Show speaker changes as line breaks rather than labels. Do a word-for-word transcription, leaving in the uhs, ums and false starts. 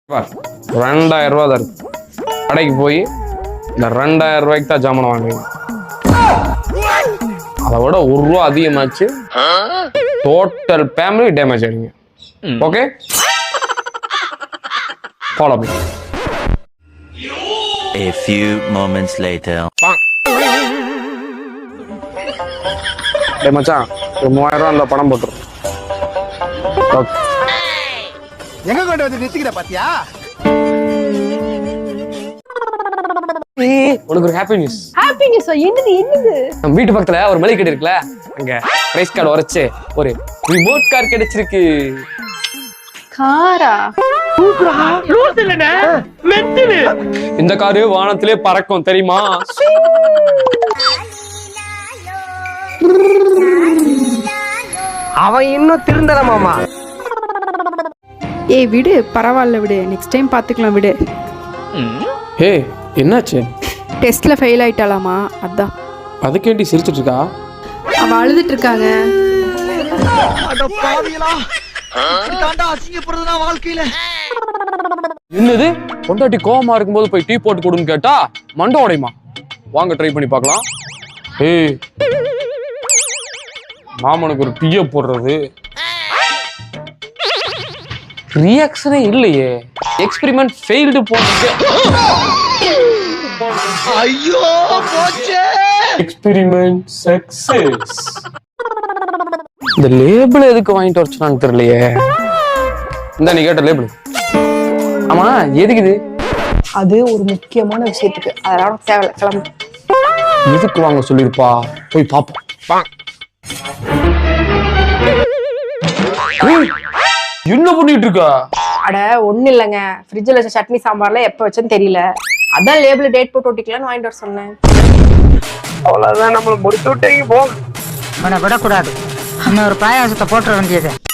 ரெண்டாயிரம் ரூபா தான் இருக்கு. கடைக்கு போய் இந்த ரெண்டாயிரம் ரூபாய்க்கு தான் ஜாமான் வாங்குவீங்க. அதை விட ஒரு ரூபா அதிகமாச்சு டோட்டல் ஃபேமிலி டேமேஜ் ஆகிடுங்க. Okay, follow me.
A few moments later.
டேய் மச்சான், ஒரு மூவாயிரம் ரூபா அந்த பணம் போட்டுரும்.
எங்க கொண்டு வந்து நிறுத்திக்கிற பாத்தியா?
உனக்கு ஒரு ஹாப்பி நியூஸ்.
ஹாப்பி நியூஸ் என்னது என்னது?
நம்ம வீட்டு பக்கத்துல ஒரு மளிகை கடை இருக்குல்ல, அங்க பிரைஸ் கார்டு உரைச்சு ஒரு ரிமோட் கார் கிடைச்சிருக்கு.
காரா?
இந்த காரு வானத்திலே பறக்கும் தெரியுமா?
அவன் இன்னும் திருந்தல மாமா.
ஏய் விடு, பரவாயில்ல விடு, நெக்ஸ்ட் டைம் பாத்துக்கலாம் விடு.
ஹே, என்னாச்சு?
டெஸ்ட்ல ஃபெயில் ஆயிட்டாலாமா, அதான்.
அதுக்கேண்டி சிரிச்சிட்டு இருக்கா?
அவ அழுதுட்டு இருக்காங்க.
அட பாவிகளா, தாண்டா அசிங்கப்படுறதுனா வாழ்க்கையில.
என்னது, பொண்டாட்டி கோவமா இருக்கும்போது போய் டீ போட்டு கொடுன்னு கேட்டா மண்டை உடையுமா? வாங்க ட்ரை பண்ணி பார்க்கலாம். ஏய், மாமனுக்கு ஒரு டீயை போடுறது ரியாக்ஷனே இல்லையே. எக்ஸ்பெரிமெண்ட் ஃபெயில்டு போட்டு.
ஐயோ போச்சே.
Experiment success. இந்த லேபிள் எதுக்கு வாங்கிட்டு வரச்சுனான்னு தெரியலையே. இந்த நீ கேட்ட லேபிள். ஆமா, எதுக்கு இது?
அது ஒரு முக்கியமான விஷயத்துக்கு, அதனால தேவையில்ல, கிளம்பு.
எதுக்கு வாங்க சொல்லிருப்பா, போய் பாப்போம். என்ன பண்ணிட்டு இருக்கா?
அட ஒண்ணு இல்லைங்க, ஃப்ரிட்ஜில் வச்ச சட்னி சாம்பார்ல எப்ப வச்சேன்னு தெரியல, அதான் லேபிள் டேட் போட்டு ஒட்டிக்கலாம்னு வாங்கிட்டு வர சொன்னேன்.
அவ்வளவுதான், நம்மள முடிச்சு விட்டீங்க. போ.
விடக்கூடாது, இன்னொரு பாயாசத்தை போட்டுற வேண்டியது.